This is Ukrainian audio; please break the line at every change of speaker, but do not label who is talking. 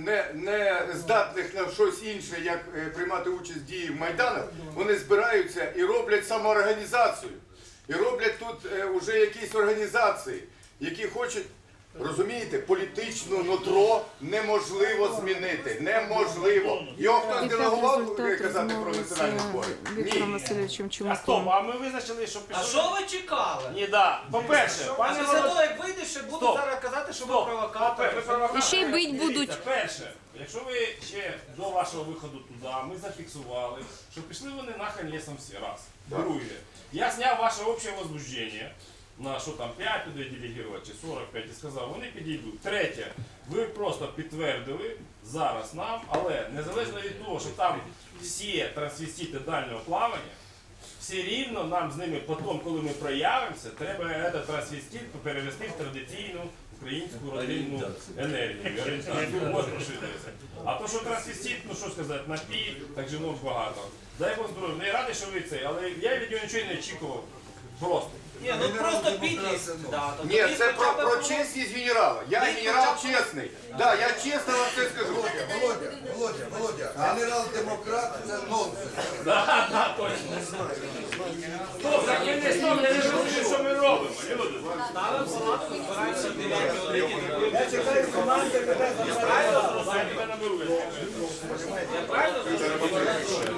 не здатних на щось інше, як приймати участь в дії в Майданах, вони збираються і роблять самоорганізацію. І роблять тут уже якісь організації, які хочуть, розумієте, політичну нутро неможливо змінити. Неможливо. Його хтось делегував казати про національні збори?
Віктором
Ні.
Васильовичем
А
Чумаком.
стоп, а ми визначили, що
А
пішов.
що ви чекали?
Ні, да. По-перше,
А
пане
після
Володимир,
того, як вийдеш, ще будуть
Стоп.
зараз казати, що ви
стоп.
провокатори.
Ви провокатори.
І ще й бить будуть.
Дивіться, перше, якщо ви ще до вашого виходу туди, ми зафіксували, що пішли вони нахрен лісом всі, раз. Друге, я зняв ваше общее возбуждение, на що там 5 людей делегувати чи 45 і сказав, вони підійдуть. Третє, ви просто підтвердили зараз нам, але незалежно від того, що там всі трансвестити дальнього плавання, все рівно нам з ними потім, коли ми проявимося, треба этот трансвестит перевести в традиційну українську родинну енергію. Орієнтацію. Можна розширитися. А то, що трансвестит, ну що сказати, напій, так жінок багато. Дай Бог здоров'я. Я радий, що ви це, але я від нього нічого не очікував. Просто.
Ні, ну просто підлість. Да, то
Ні,
тоді
це
хоча б
про
було-
чесність генерала. Я генерал чесний. Да, я чесно вам це скажу.
Володя, генерал-демократ це нонсенс.
Да, точно. Стоп, так ми не стоп, я не розумію, що ми робимо. Люди.
Ставимо палатку, збираємося в 9 годині.
Я чекаю команди, мене
Правильно зрозумів?
я тебе наберу.
Я правильно зрозумів?